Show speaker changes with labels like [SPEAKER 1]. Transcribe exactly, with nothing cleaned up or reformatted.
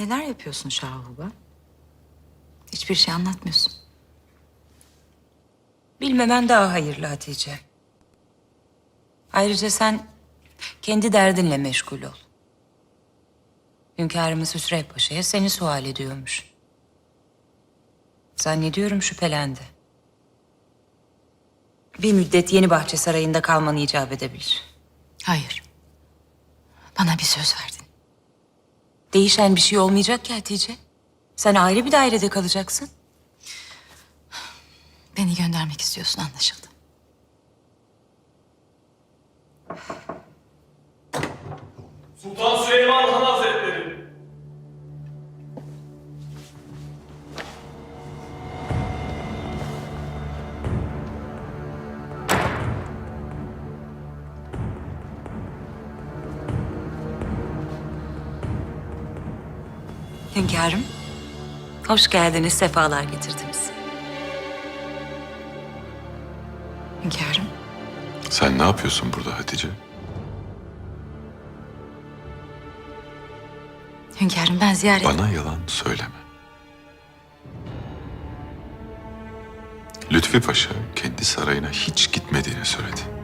[SPEAKER 1] Neler yapıyorsun Şahuba? Hiçbir şey anlatmıyorsun.
[SPEAKER 2] Bilmemen daha hayırlı Hatice. Ayrıca sen kendi derdinle meşgul ol. Hünkârımız Hüsrev Paşa'ya seni sual ediyormuş. Zannediyorum şüphelendi. Bir müddet Yenibahçe Sarayı'nda kalmanı icap edebilir.
[SPEAKER 1] Hayır. Bana bir söz verdin.
[SPEAKER 2] Değişen bir şey olmayacak ki Hatice. Sen ayrı bir dairede kalacaksın.
[SPEAKER 1] Beni göndermek istiyorsun, anlaşıldı.
[SPEAKER 3] Sultan Süleyman Han Hazretleri.
[SPEAKER 2] Hünkârım, hoş geldiniz, sefalar getirdiniz.
[SPEAKER 1] Hünkârım,
[SPEAKER 4] Sen ne yapıyorsun burada Hatice?
[SPEAKER 1] hünkârım ben ziyaret...
[SPEAKER 4] Bana yalan söyleme. Lütfi Paşa kendi sarayına hiç gitmediğini söyledi.